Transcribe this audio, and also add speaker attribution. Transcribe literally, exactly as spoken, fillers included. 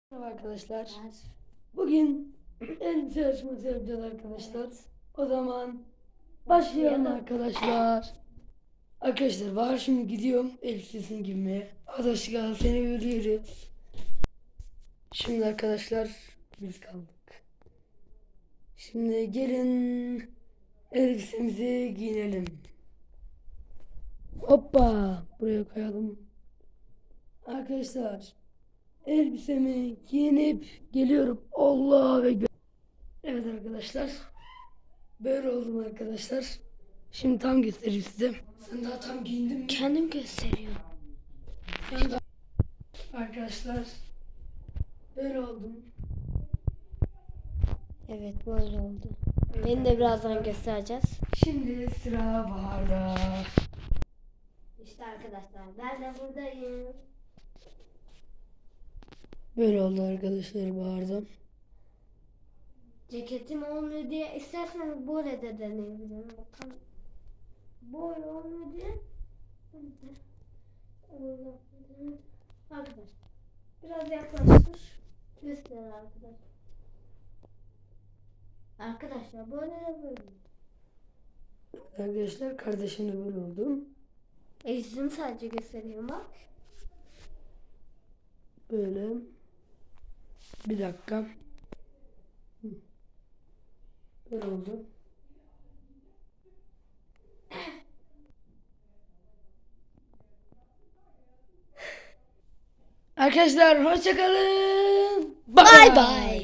Speaker 1: Merhaba arkadaşlar. Bugün elbise yarışması yapacağız arkadaşlar. O zaman başlayalım arkadaşlar. Arkadaşlar var şimdi gidiyorum elbisesini giymeye. Arkadaşlar seni görüyoruz. Şimdi arkadaşlar biz kaldık. Şimdi gelin elbisemizi giyinelim. Hoppa buraya koyalım. Arkadaşlar elbisemi giyinip geliyorum. Allah ve evet arkadaşlar. Böyle oldum arkadaşlar. Şimdi tam göstereyim size. Sen daha tam giyindin mi?
Speaker 2: Kendim gösteriyorum.
Speaker 1: Sen daha... Arkadaşlar. Böyle oldum.
Speaker 2: Evet böyle oldu. Beni de birazdan göstereceğiz.
Speaker 1: Şimdi sıra Bahar'da.
Speaker 2: İşte arkadaşlar ben de buradayım.
Speaker 1: Böyle oldu arkadaşlar Bahar'da.
Speaker 2: Ceketim olmuyor diye isterseniz böyle de deneyebilirim. Bakalım. Böyle olmuyor diye. Arkadaşlar biraz yaklaştır. Göster arkadaşlar. Arkadaşlar böyle de böyle.
Speaker 1: Arkadaşlar kardeşim de böyle oldum.
Speaker 2: E yüzümü sadece gösteriyorum bak.
Speaker 1: Böyle. Bir dakika. Hı. Böyle oldu. Arkadaşlar hoşça kalın.
Speaker 2: Bye bye.